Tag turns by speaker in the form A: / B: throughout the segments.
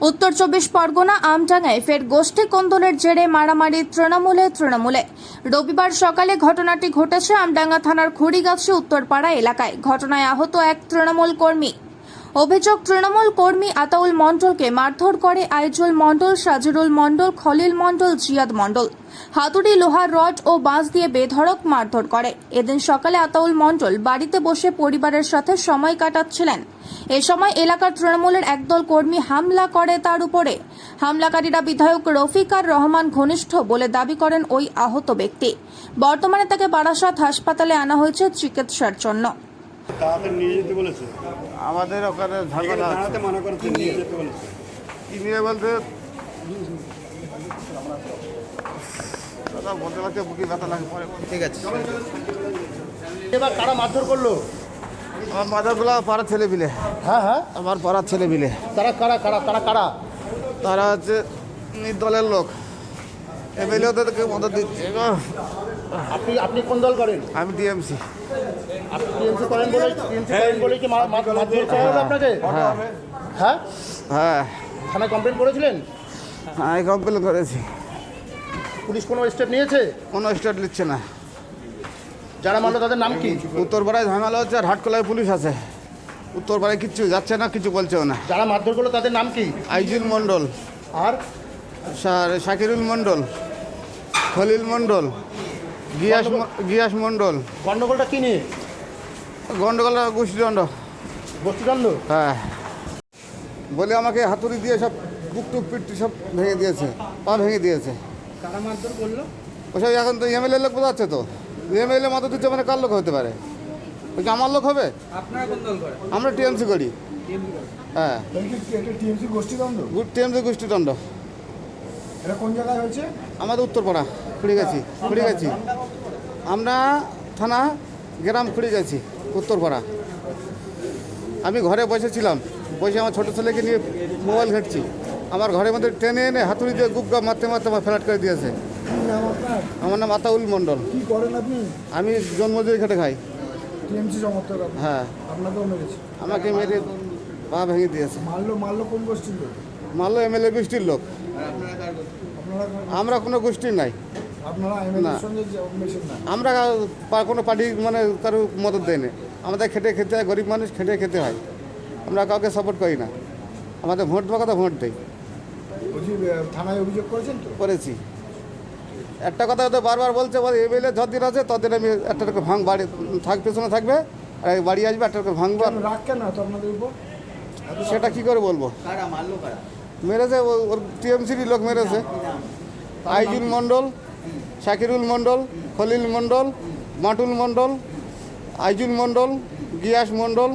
A: উত্তর 24 পরগনা আমডাঙ্গায় ফের গোষ্ঠী কোন্দলের জেরে মারামারি তৃণমূলে। রবিবার সকালে ঘটনাটি ঘটেছে আমডাঙ্গা থানার খুড়িগাছি উত্তরপাড়া এলাকায়। ঘটনায় আহত এক তৃণমূল কর্মী। অভিযোগ, তৃণমূল কর্মী আতাউল মণ্ডলকে মারধর করে আইজুল মণ্ডল, সাজিরুল মণ্ডল, খলিল মণ্ডল, জিয়াদ মণ্ডল। হাতুড়ি, লোহার রড ও বাঁশ দিয়ে বেধড়ক মারধর করে। এদিন সকালে আতাউল মণ্ডল বাড়িতে বসে পরিবারের সাথে সময় কাটাচ্ছিলেন। এ সময় এলাকার তৃণমূলের একদল কর্মী হামলা করে তার উপরে। হামলাকারীরা বিধায়ক রফিকার রহমান ঘনিষ্ঠ বলে দাবি করেন ওই আহত ব্যক্তি। বর্তমানে তাকে বারাসাত হাসপাতালে আনা হয়েছে চিকিৎসার জন্য।
B: আমাদের ওখানে ঝামেলা বলতে বলতে পারছে বুকি ব্যথা লাগে পরে। ঠিক আছে,
C: এবার কারা মারধর করলো?
B: আমার মাদারগুলো পাড়ার ছেলে মিলে।
C: হ্যাঁ,
B: আমার পাড়ার ছেলে মিলে।
C: তারা কারা?
B: তারা হচ্ছে দলের লোক, এমএলএ ওদেরকে মদত দিচ্ছে।
C: আপনি কোন দল করেন?
B: আমি টিএমসি।
C: আপনি টিএমসি করেন বলে কি মারধর করা হলো আপনাকে? হ্যাঁ, থানায় কমপ্লেন করেছিলেন?
B: আমি কমপ্লেন করেছি।
C: পুলিশ কোনো স্টেপ নিয়েছে?
B: কোনো স্টেট নিচ্ছে না।
C: যারা মারলো তাদের নাম কি?
B: উত্তরপাড়ায় ঝামেলা হচ্ছে আর হাটকলায় পুলিশ আছে। উত্তরপাড়ায় কিচ্ছু যাচ্ছে না, কিছু বলছেও না।
C: যারা মারধর করলো তাদের নাম কি?
B: আইজুল মণ্ডল,
C: আর
B: শাকিরুল মণ্ডল, খলিল মণ্ডল, গিয়াস মণ্ডল।
C: গন্ডগোলটা কি নিয়ে?
B: গন্ডগোল গোষ্ঠীদণ্ড। হ্যাঁ, বলে আমাকে হাতুড়ি দিয়ে সব বুক টুক পিট সব ভেঙে দিয়েছে, পা ভেঙে দিয়েছে।
C: কারা মারধর করলো?
B: ওসব এখন তো এমএলএ লোক বোঝাচ্ছে তো। এমএলএ মতো দিচ্ছে মানে কার লোক হতে পারে? ওই কি আমার লোক হবে?
C: আপনারা কোন দল করেন?
B: আমরা টিএমসি করি। হ্যাঁ,
C: টিএমসি গোষ্ঠীদ্বন্দ্ব?
B: টিএমসি গোষ্ঠীদণ্ড।
C: এটা কোন জায়গায় হয়েছে?
B: আমাদের উত্তরপাড়া খুঁড়িগাছি। আমরা থানা গ্রাম খুঁড়িগাছি, উত্তরপাড়া। আমি ঘরে বসেছিলাম, বসে আমার ছোটো ছেলেকে নিয়ে মোবাইল ঘাঁটছি। আমার ঘরের মধ্যে টেনে এনে হাতুড়ি দিয়ে গুপগা মারতে আমার ফ্ল্যাট করে দিয়েছে। আমার নাম আতাউল মণ্ডল।
C: কি করেন আপনি?
B: আমি জন্মজয়ী খেটে খাই।
C: টিএমসি সমর্থক?
B: হ্যাঁ,
C: আপনাকেও মেরেছে?
B: আমাকে মেরে পা ভেঙে দিয়েছে।
C: মারলো কোন গোষ্ঠীর লোক?
B: মারলো এমএলএ গোষ্ঠীর লোক। আমরা কোনো গোষ্ঠীর নাই।
C: আপনারা এমএলএর সঙ্গে মেশেন না?
B: আমরা কোনো পার্টি মানে কারো মদত দেয় না। আমাদের খেতে হয়, গরিব মানুষ খেতে হয়। আমরা কাউকে সাপোর্ট করি না। আমাদের ভোট দেওয়ার কথা ভোট দেয়।
C: থানায় অভিযোগ করেছেন তো?
B: করেছি। একটা কথা তো বারবার বলছে, এমএলএ যতদিন আছে ততদিন আমি একটা বাড়ি পেছনে থাকবে, আর বাড়ি আসবে, একটা ভাঙবো।
C: রাগ কেন তো আপনাদের উপর?
B: সেটা কি করে বলবো? মেরেছে ওর টিএমসির লোক মেরেছে। আইজুল মণ্ডল, শাকিরুল মণ্ডল, খলিল মণ্ডল, মাটুল মণ্ডল, আইজুল মণ্ডল, গিয়াস মণ্ডল।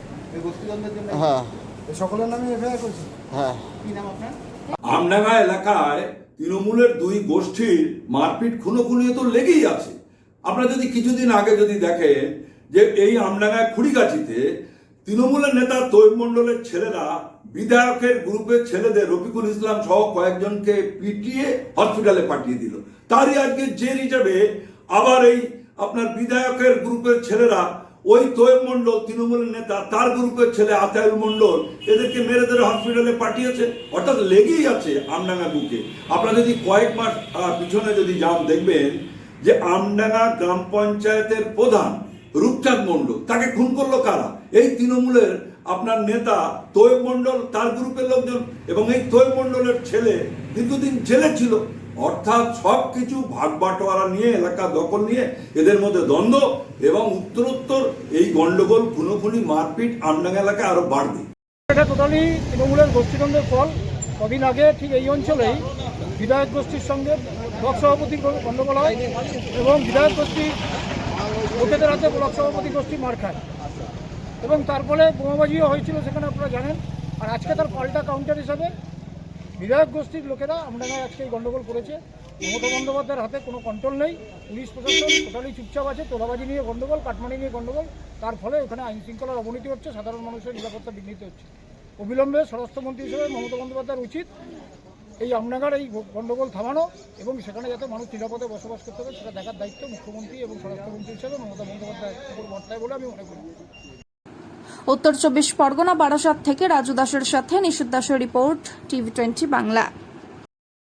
B: হ্যাঁ,
C: সকলের নামে এফআইআর করেছি।
B: হ্যাঁ।
D: আমডাঙ্গা এলাকায় তৃণমূলের দুই গোষ্ঠীর মারপিট খুনোখুনি তো লেগেই আছে। আপনারা যদি কিছুদিন আগে যদি দেখেন যে এই আমডাঙ্গায় খুড়িগাছিতে তৃণমূলের নেতা তৈব মণ্ডলের ছেলেরা বিধায়কের গ্রুপের ছেলেদের রফিকুল ইসলাম সহ কয়েকজনকে পিটিয়ে হসপিটালে পাঠিয়ে দিল। তারই আজকে জের হিসাবে আবার এই আপনার বিধায়কের গ্রুপের ছেলেরা ওই তৈব মণ্ডল তৃণমূলের নেতা, তার গ্রুপের ছেলে আতাউল মণ্ডল, এদেরকে মেরে ধরে হসপিটালে পাঠিয়েছে। অর্থাৎ লেগেই আছে আমডাঙ্গা বুকে। আপনারা যদি কয়েক মাস পিছনে যদি যান, দেখবেন যে আমডাঙ্গা গ্রাম পঞ্চায়েতের প্রধান রূপচাঁদ মণ্ডল, তাকে খুন করলো কারা? এই তৃণমূলের আপনার নেতা তৈব মণ্ডল, তার গ্রুপের লোকজন, এবং এই তৈব মণ্ডলের ছেলে দীর্ঘদিন জেলে ছিল। অর্থাৎ সব কিছু ভাগ বাটোয়ারা নিয়ে, এলাকা দখল নিয়ে এদের মধ্যে দ্বন্দ্ব, এবং উত্তরোত্তর এই গন্ডগোল, খুনোখুনি, মারপিট আমডাঙ্গা এলাকায় আরো বাড়বে।
E: এটা টোটালি তৃণমূলের গোষ্ঠীদ্বন্দ্বের ফল। কদিন আগে ঠিক এই অঞ্চলেই বিধায়ক গোষ্ঠীর সঙ্গে ব্লক সভাপতির গণ্ডগোল হয়, এবং বিধায়ক গোষ্ঠী লোকেদের হাতে ব্লক সভাপতি গোষ্ঠী মার খায়, এবং তার ফলে বোমাবাজিও হয়েছিল সেখানে, আপনারা জানেন। আর আজকে তার পাল্টা কাউন্টার হিসাবে বিধায়ক গোষ্ঠীর লোকেরা আমডাঙ্গায় আজকে এই গণ্ডগোল করেছে। মমতা বন্দ্যোপাধ্যায়ের হাতে কোনো কন্ট্রোল নেই, পুলিশ প্রশাসন টোটালি চুপচাপ আছে। তোলাবাজি নিয়ে গণ্ডগোল, কাটমানি নিয়ে গণ্ডগোল, তার ফলে ওখানে আইন শৃঙ্খলার অবনতি হচ্ছে, সাধারণ মানুষের নিরাপত্তা বিঘ্নিত হচ্ছে। অবিলম্বে স্বরাষ্ট্রমন্ত্রী হিসেবে মমতা বন্দ্যোপাধ্যায়ের উচিত এই আমডাঙ্গার এই গণ্ডগোল থামানো, এবং সেখানে যাতে মানুষ নিরাপদে বসবাস করতে হবে সেটা দেখার দায়িত্ব মুখ্যমন্ত্রী এবং স্বরাষ্ট্রমন্ত্রী হিসেবে মমতা বন্দ্যোপাধ্যায়ের উপর বর্তায় বলে আমি মনে করি।
A: উত্তর 24 পরগনা বারাসাত থেকে রাজু দাসের সাথে নিশুদ দাসের রিপোর্ট, TV20 বাংলা।